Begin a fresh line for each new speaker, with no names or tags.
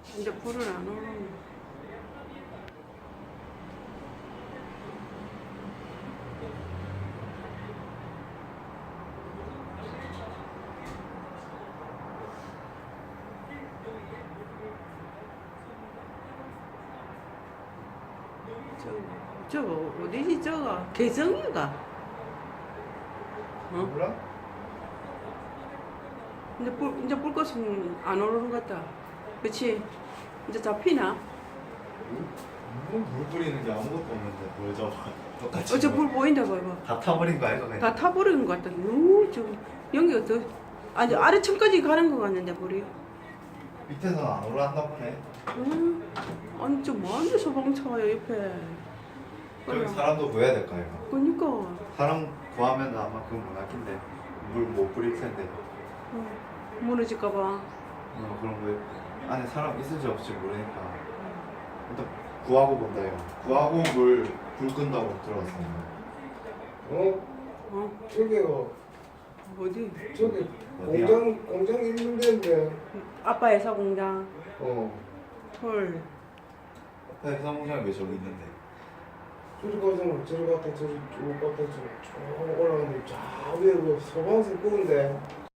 이제 불을 안 오르네. 저거 어디지 저거 개성이가? 어?
몰라?
이제 불꽃은 안 오르는 것 같다. 그치? 이제 잡히나?
물 뿌리는 게 아무것도 없는데 뭘 잡아. 똑같이.
어저 불 보인다 봐봐.
다 타버린 거 아이가 그냥.
다 타버리는 것 같다. 저 연기가 더 아니 아래층까지 가는 것 같는데 불이.
밑에서는 안 올라왔나 보네.
아니 저 뭐하는 소방차야 옆에.
저기 사람도 구해야 될 거 아이가.
그러니까
사람 구하면 아마 그건 못 할텐데 물 못 뿌릴 텐데.
무너질까봐.
그런 거 안에 사람 있을지 없을지 모르니까 일단 구하고 본다 이거. 구하고 불 끈다고 들어갔어요.
저기요.
어디?
저기
어디야?
공장 있는 데인데.
아빠 회사 공장. 헐.
회사 공장이 왜 저기 있는데?
저리 가서 저리 갔다 저리 쭉 갔다 쭉 올라가는데 저 위에 그 소방서 끄는데